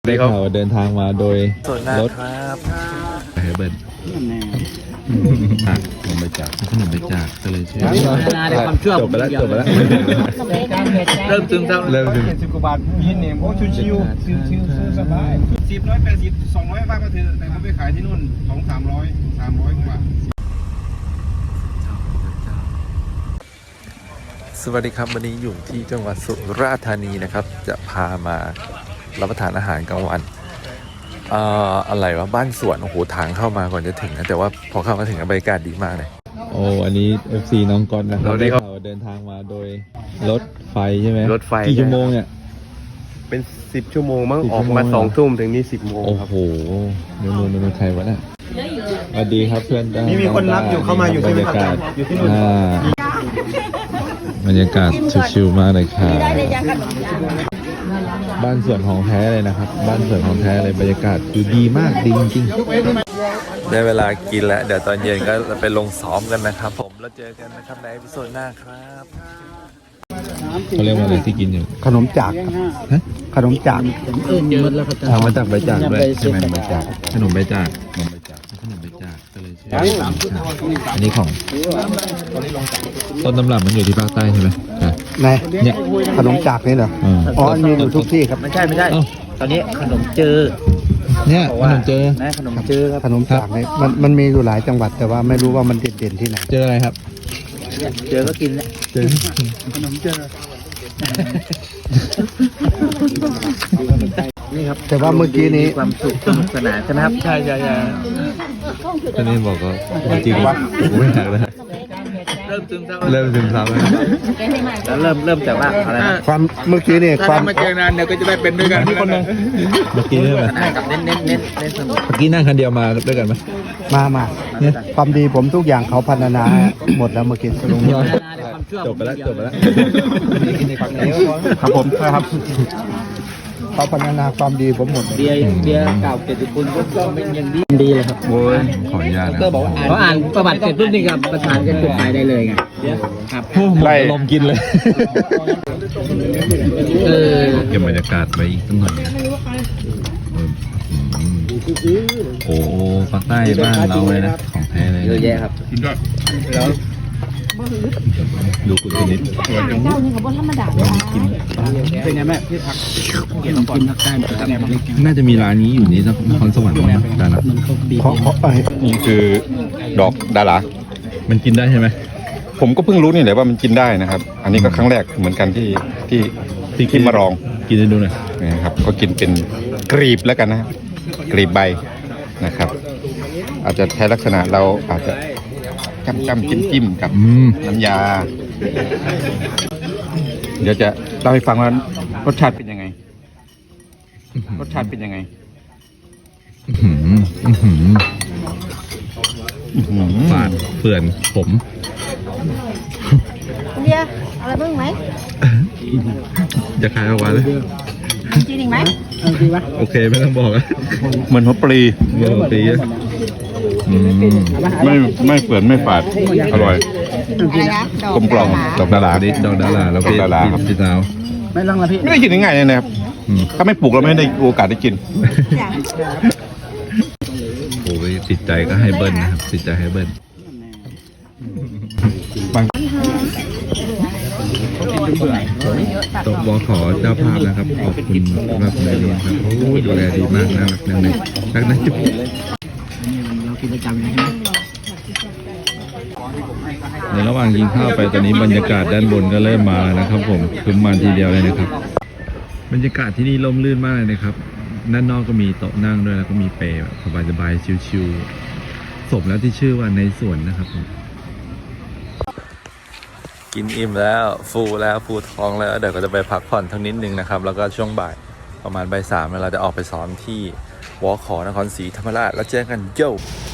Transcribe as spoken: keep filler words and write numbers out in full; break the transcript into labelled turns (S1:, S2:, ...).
S1: ได้ข่าวเดินทางมาโดยรถ
S2: ครับ
S1: เฮเบิร์นอ่ะขนมไปจากขนมไปจากก็เลยชื่อจบไปแล้วจบไปแล้ว
S2: เริ่มซึมเศร้า
S1: เริ่มถึง
S3: สิบกว่าบาทยินเนี่ยโอ้ชิวชิวชิวชิวสบายสิบร้อยแปดสิบสองร้อยบาทมาเถอะแต่ผมไปขายที่นู่นสองสามร้อยสามร้อยกว่า
S2: สวัสดีครับวันนี้อยู่ที่จังหวัดสุราษฎร์ธานีนะครับจะพามารับประทานอาหารกลางวันเอ่ออะไรวะบ้านสวนโอ้โหทางเข้ามาก่อนจะถึงนะแต่ว่าพอเข้ามาถึงบรรยากาศดีมากเลย
S1: โอ้อันนี้ เอฟ ซี น้องก๊อตนะครับ
S2: เราได้
S1: ได้
S2: ครับ
S1: ข่าวเดินทางมาโดยรถไฟใช่ไหม
S2: รถไฟ
S1: กี่ชั่วโมงเนี่ย
S4: เป็นสิบชั่วโมงมั้ง
S1: สิบ
S4: ออกมา
S1: ชั่วโมง
S4: สองทุ่มถึงนี่สิบโมง
S1: โอ้
S4: ครับ
S1: โหนูนูนูนูใครวะเนี่ยสวัสดีครับเพื่อน
S3: มีมีคนรับอยู่เข้ามาอยู่ใช่ไหมครับอยู่ที่นู่น
S1: อ่าบรรยากาศชิวๆมากเลยครับบ้านสวนของแท้เลยนะครับ บ้านสวนของแท้เลยบรรยากาศคือดีมากดีจริงๆ
S2: ได้เวลากินแล้วเดี๋ยวตอนเย็นก็ไปลงซ้อมกันนะครับผมแล้วเจอกันนะครับในพิโซดหน้าครับ
S1: เขาเรียกว่าอะไรที่กินอยู่
S3: ขนมจากครับขนมจาก
S1: ทำมาจากใบจากด้วยใช่ไหมใบจากขนมใบจากขนมใบจากขนมใบจากก็เลยชื่ออันนี้ของต้นตำรับมันอยู่ที่ภาคใต้ใช่ไหมอ่ะ
S3: ไหน
S1: เนี่ย
S3: ขนมจากนี่เหรอ
S1: อ่า
S3: อ๋อมีอยู่ทุกที่ครับ
S5: ไม่ใช่ไม่ใช่
S1: เอ้า
S5: ตอนนี้ขนมเจอ
S1: เนี่ยขนมเจอ
S5: นะขนมเจอครับ
S3: ขนมจากนี่มันมันมีอยู่หลายจังหวัดแต่ว่าไม่รู้ว่ามันเด่นๆที่ไหน
S1: เจออะไรครับ
S5: เจอก็กินแล้ว
S1: เจอ
S3: ขนมเจอ
S5: นี่ครับ
S3: แต่ว่าเมื่อกี้นี้
S5: มีความสุขสนุกสนานใช่ไหมครับใช่ใช่ใช่
S1: ท่านนี้บอกว่าจริงว่าผมไม่อยากเลย
S2: เริ่มซึมเศร้า
S1: เริ่มซึมเศร้าแล้ว
S5: แล้วเริ่มเริ่มจากว่าอะไรนะ
S3: ความเมื่อกี้นี่ความ
S2: มาเจอนานเดี๋ยวก็จะได้เป็นด้วยกันคนนึง
S1: เมื่อกี้เรื่องอะไร
S5: ให้กับเน้นเน้นเน้นเน้นสนุก
S1: เมื่อกี้นั่งคันเดียวมาด้วยกันไหม
S3: มามาเนี่ยความดีผมทุกอย่างเขาพัฒนาหมดแล้วเมื่อกี้ลง
S1: จบไปแล้วจบไปแล้ว
S3: ครับผมครับเขาพัฒนาความดีผมหมด
S5: เบียร์เบียร์เก่าเกียรติคุณก็เป็นอย่างดีดีเลยครับ
S1: โอ้ยขออนุญาตนะ
S5: เขาอ่านประวัติเสร็จปุ๊บนี่ครับประสานกันจุดหมายได้เลยไงครับ
S1: โอ้โหหมดลมณ์กินเลย
S5: เออ
S1: เก็บบรรยากาศไว้อีกสักหน่อยนะเอออืมโอ้โหภาคใต้บ้านเราเลยนะของแท้เลย
S5: เยอะแยะครับ
S1: ดูคุณชนิด
S6: เจ้านี่เขาบอกธรรมดาเลยนะ
S5: เป็นไงแม่พี่ผักเกียรติกินผักได้แบบเล็ก
S1: น่าจะมีร้านนี้อยู่นี่นครสวรรค์มั้งนะดารา
S3: เพราะเพราะไอ้
S4: นี่คือดอกดารา
S1: มันกินได้ใช่ไหม
S4: ผมก็เพิ่งรู้นี่แหละว่ามันกินได้นะครับ อันนี้ก็ครั้งแรกเหมือนกันที่ที่ที่ที่มาลอง
S1: กินให้ดูหน่อย
S4: นะครับก็กินเป็นกรีบแล้วกันนะครับกรีบใบนะครับ อาจจะใช้ลักษณะเราอาจจะจ้ำจ้ำจิ้มจิ้มกับ
S1: อืม
S4: น้ำยา เดี๋ยวจะเล่าให้ฟังว่ารสชาติเป็นยังไง รสชาติเป็นยังไง
S1: อื้อหืออื้อหือ
S4: อื้อหือ
S1: ฝาดเปื่อนผม
S6: เบียร์อะไรบ้างไหม
S1: จะขายออกมาเลย
S6: จริงไหม
S1: โอเคไม่ต้องบอกอะ
S4: เหมือนหัวปลี
S1: เมื่อปีอะอืม
S4: ไม่ไม่เปื่อนไม่ฝาดอร่อย
S6: อะไรนะดอก
S4: กลมกล่อมดอกดารา
S1: อันนี้ดอกดาราแล้วพี่
S4: ดอกดาราครับ
S1: พี่สาว
S5: ไม่ต้องละพี่
S4: ไม่ได้กินง่ายๆเลยนะครับ
S1: อืม
S4: ถ้าไม่ปลูกเราไม่ได้โอกาสได้กิน
S1: โอ้ยติดใจก็ให้เบิ้ลนะครับติดใจให้เบิ้ลตกบอขอเจ้าภาพนะครับขอบคุณสำหรับในเรียนครับโอ้ยดูแลดีมากน่ารักนังเลยรักนะจุ๊บ
S5: เรากินประจำเลยใช่ไหม
S1: ในระหว่างยิงข้าวไปตอนนี้บรรยากาศด้านบนก็เริ่มมาแล้วนะครับ ผมคือมาทีเดียวเลยนะครับ บรรยากาศที่นี่ร่มรื่นมากเลยนะครับด้านนอกก็มีโต๊ะนั่งด้วยแล้วก็มีเปรย์แบบสบายๆชิลๆสมแล้วที่ชื่อว่าในสวนนะครับผม
S2: กินอิ่มแล้วฟูแล้วฟูท้องแล้วเดี๋ยวก็จะไปพักผ่อนทั้งนิดนึงนะครับแล้วก็ช่วงบ่ายประมาณบ่ายสามเราจะออกไปซ้อมที่วอขอนครศรีธรรมราชแล้วเจอกันโย่